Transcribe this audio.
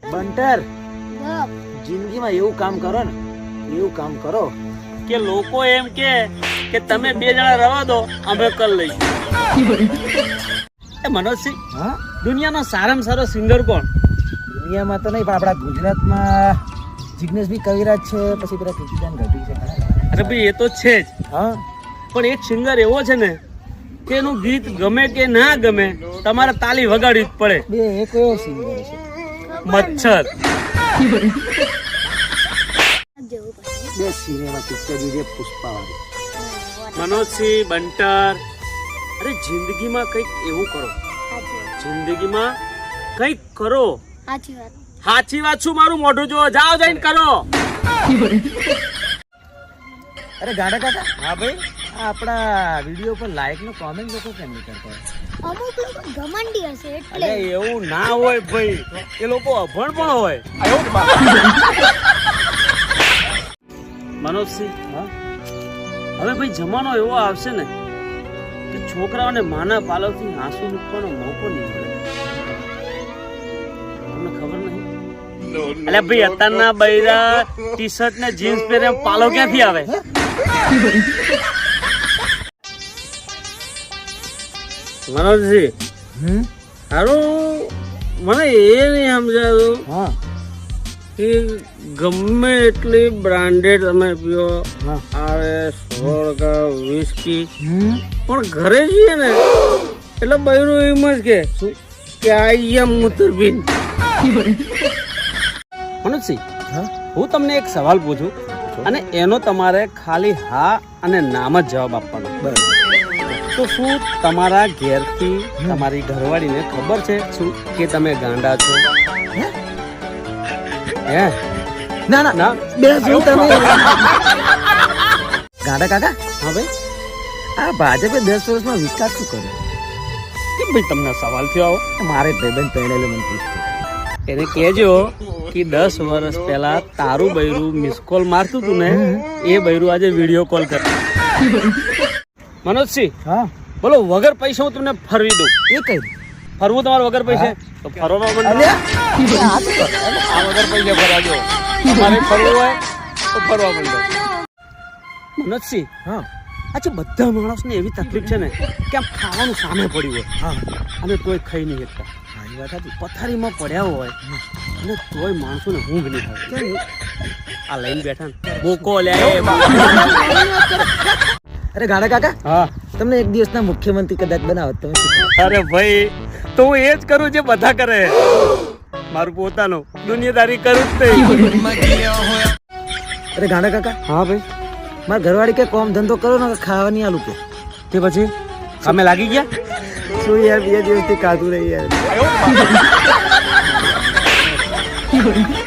બંટર જિંદગીમાં એવું કામ કરો ને, એવું કામ કરો કે લોકો એમ કે તમે બે જણા રવા દો, અમે કર લઈશું. એ મનોજસિંહ, હા દુનિયાનો સારામાં સારો સિંગર કોણ? દુનિયામાં તો નહીં પણ આપણા ગુજરાતમાં જિગ્નેશભાઈ કવિરાજ છે, પછી પેલા કીર્તિદાન ગઢવી છે. અરે ભાઈ એ તો છે જ, હા પણ એક સિંગર એવો છે ને કે એનું ગીત ગમે કે ના ગમે તમારે તાલી વગાડવી જ પડે. બે એક એવો સિંગર છે મચ્છર. બે સિનેમા પિક્ચર જે પુષ્પાવાળી. મનોજસિંહ, બંટર, અરે જિંદગીમાં કંઈક એવું કરો, જિંદગીમાં કંઈક કરો. સાચી વાત શું મારું મોઢું જો, જાઓ જઈને કરો. અરે ગાડા કાકા, હા ભાઈ, આ આપણા વિડીયો પર લાઈક નો કોમેન્ટ લોકો કેમ નહીં કરતા? અમુક લોકો ઘમંડી હશે એટલે. અરે એવું ના હોય ભાઈ, એ લોકો અભણ પણ હોય. મનોજસિંહ, હા હવે ભાઈ જમાનો એવો આવશે ને કે છોકરાઓને માના પાલવથી આંસુ મૂકવાનો મોકો નહીં મળે. તમને ખબર નહીં? અલ્યા ભાઈ અત્યારના બૈરા ટી શર્ટ ને જીન્સ પહેરે પાલો ક્યાંથી આવે? મનોજસિંહ, સારું મને એ નહીં સમજાયું હા કે ગમે એટલી બ્રાન્ડેડ તમે પીઓ, હા RS, વોડકા, વિસ્કી, પણ ઘરે જઈએ ને એટલે બૈરું એમ જ કે આઈ એમ મુતરબીન. મનોજસિંહ, હા હું તમને એક સવાલ પૂછું અને એનો તમારે ખાલી હા અને નામ જ જવાબ આપવાનો. બરાબર. તો શું તમારા ઘેરથી તમારી ઘરવાળીને ખબર છે શું કે તમે ગાંડા છો? હે? ના ના ના? બે શું તમે ગાડા કાકા, હા ભાઈ, આ ભાજપે 10 વર્ષમાં વિકાસ શું કર્યો? કેમ ભાઈ તમને સવાલ થયો આવો? મારે ભાઈબંધ પહેરેલો મને પૂછતો. એને કહેજો કે 10 વર્ષ પહેલા તારું બૈરું મિસ કોલ મારતું તું ને, એ બૈરું આજે વિડીયો કોલ કરે. મનોજસિંહ, હા બોલો વગર પૈસે હું તમને ફરવી દઉં. એ કઈ ફરવું તમારે વગર પૈસે? તો ફરવા માંડો. અલ્યા આ વગર પૈસે ફરાજો. તમારે ફરવું હોય તો ફરવા માંડો. મનોજસિંહ, હા આજે બધા માણસને એવી તકલીફ છે ને કે આમ ખાવાનું સામે પડ્યું હોય હા અને તોય ખાઈ નહીં શકતા. હા એ વાત હતી. પથારીમાં પડ્યા હોય અને તોય માણસોને ઊંઘ નહીં આવે. આ લઈને બેઠા ને બોકો લે. અરે ગાડા કાકા, હા, તમને એક દિવસના મુખ્યમંત્રી કદાચ બનાવત તમે શું કરો? અરે ભાઈ તો હું એ જ કરું જે બધા કરે. મારું પોતાનું દુનિયાદારી કરું જ નહીં. અરે ગાડા કાકા, હા ભાઈ, મારા ઘરવાળી કે કોમ ધંધો કરો ને ખાવાની આલુ કે તે પછી કામે લાગી ગયા? શું યાર 2 દિવસથી ખાધું નહીં યાર.